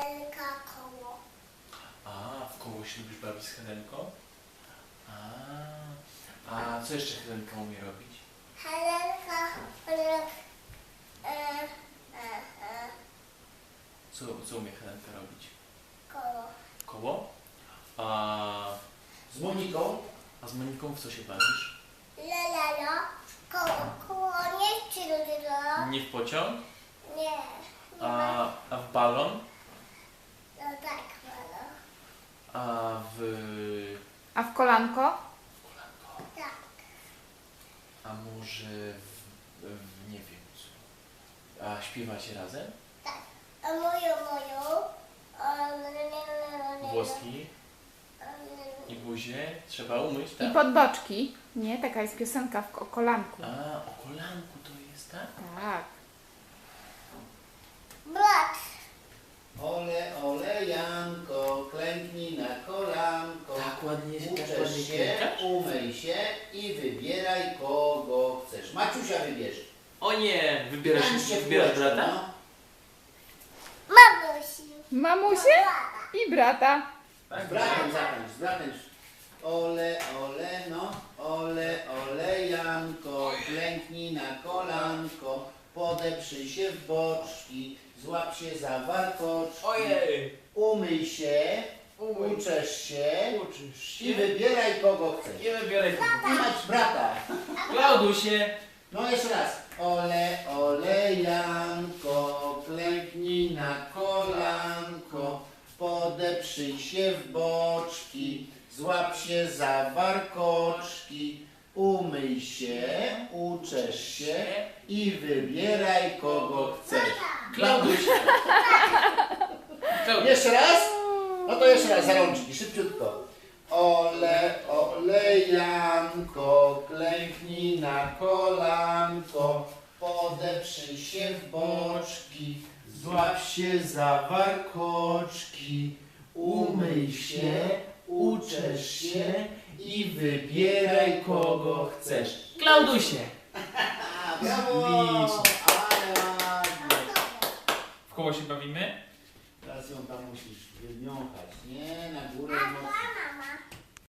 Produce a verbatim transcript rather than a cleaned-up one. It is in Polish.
Helenka koło. A, w koło się lubisz bawić z Helenką? A, a co jeszcze Helenka umie robić? Helenka robi... E, e, e, Co, co umie Helenka robić? koło. Koło? A, Z Moniką? a z Moniką w co się bawisz? Lelelo. Koło. Koło nie czy lelelo. Nie w pociąg? Nie. Nie A, ma. a w balon? No tak, malo. A w... A w kolanko? Tak. A może w, w nie wiem co. A śpiewacie razem? Tak. A moją, moją. O, le, le, le, le, le. Włoski i buzię trzeba umyć, tak? I podboczki. Nie, taka jest piosenka w, o kolanku. A, o kolanku to jest, tak? Tak. Brat. Ole, ole, Janko, klęknij na kolanko. Tak ładnie, tak Uczesz ładnie się, klękasz? umyj się i wybieraj kogo chcesz. Maciusia wybierz. O nie! Wybierasz, Tańcz się w wybierasz kółeczko, brata? no. Mamusi. Mamusie i brata. Z bratem zatańcz, z bratem. Ole, ole, no. Ole, ole, Janko, klęknij na kolanko. Podeprzyj się w boczki, złap się za warkoczki. Ojej! Umyj się, Umyj. uczesz się Uczysz i wybieraj kogo chcesz. Nie wybieraj I mać brata. Klaudusie! No jeszcze raz. Ole, ole, Janko, klęknij na kolanko, podeprzyj się w boczki, złap się za warkoczki, umyj się, uczesz się i wybieraj kogo chcesz. Klaudusie! Klaudusie! Jeszcze raz? No to jeszcze raz za rączki, szybciutko. Ole, ole, Janko, klęknij na kolanko, podeprzyj się w boczki, złap się za warkoczki, umyj się, uczesz się i wybieraj kogo chcesz. Klaudusie! A, brawo! Ślicznie. Ale ładnie. W koło się bawimy? Teraz ją tam musisz wyniąchać, nie? Na górę A mocno. mama